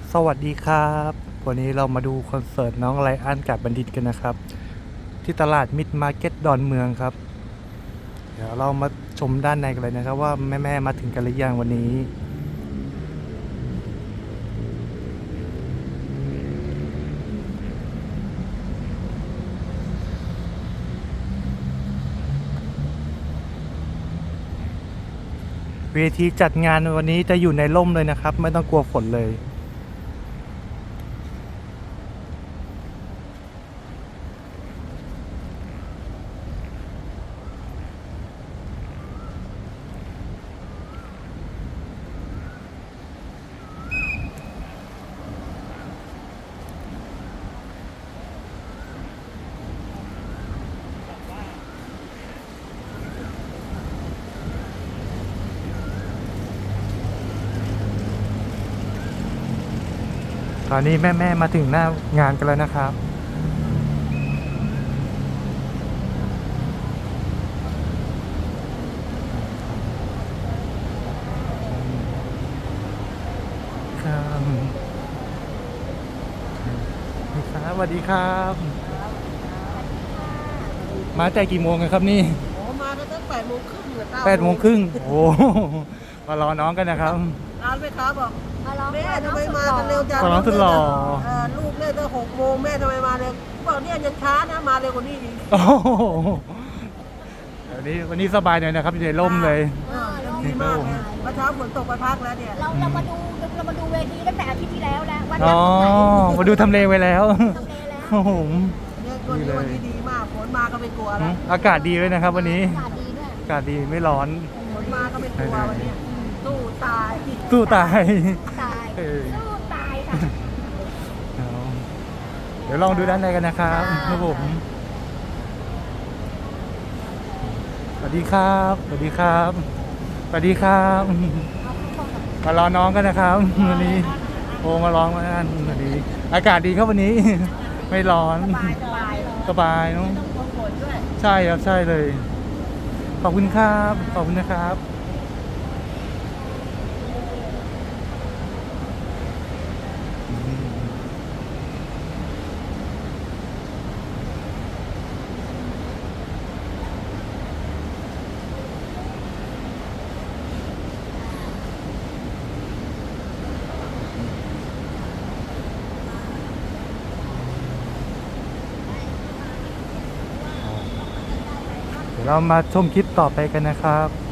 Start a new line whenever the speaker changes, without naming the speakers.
สวัสดีครับวันนี้เรามาดูคอนเสิร์ตน้องไลอ้อนกาจบัณฑิตกันนะครับที่ตลาดมิตรมาร์เก็ตดอนเมืองครับเดี๋ยวเรามาชมด้านในกันเลยนะครับว่าแม่ๆมาถึงกันหรือยังวันนี้เวทีจัดงานวันนี้จะอยู่ในร่มเลยนะครับไม่ต้องกลัวฝนเลยตอนนี้แม่ๆมาถึงหน้างานกันแล้วนะครับครับสวัสดีครับมาแต่กี่โมงกันครับนี่
โอ้มากันตั้ง8 โมงครึ่งหรือ
8 โมงครึ่งโอ้มารอน้องกันนะครับ
ร้านแม่ค้าบอกแม่ทำไมมากันเร็วจัง
ขอร้องสุดหล่อ
ลูกเล่นตั้ง6 โมงแม่ทำไมมาเร็วบอกเนี่ยยังช้านะมาเร็วกว่านี้อีก
โอ้โหวันนี้สบายหน่อยนะครับอยู่ในร่มเลย
ดีมากเลยเมื่อเช้าฝนตกไปพักแล้วเนี่ย
เรามาดูเวทีตั้งแต่อาทิตย์ที่แล้วแล้ววัน
อ๋
นั้
อน มาดูทำเลไว้แล้ว
ทำเลแล้ว
โอ้โห
เนี่ยวันนี้ดีมากฝนมาก็ไม่กลัวแล้ว
อากาศดีเลยนะครับ วันนี้
อากาศดีด้วย
อากาศดีไม่ร้อน
ฝนมาก็ไม่กลัววันนี้สู้ตาย
สู้ตาย
ตาย
เออ
สู้ตายค่ะ
เอาเดี๋ยวลองดูด้านในกันนะครับครับผมสวัสดีครับสวัสดีครับสวัสดีครับมารอน้องกันนะครับวันนี้โอ้มาร้องมาอันวันนี้อากาศดีครับวันนี้ ไม่ร้อน
สบายเลย
สบายเนาะ
ต้องกลัวฝนด้วย
ใช่ครับใช่เลย ขอบคุณครับขอบคุณนะครับเดี๋ยวเรามาชมคลิปต่อไปกันนะครับ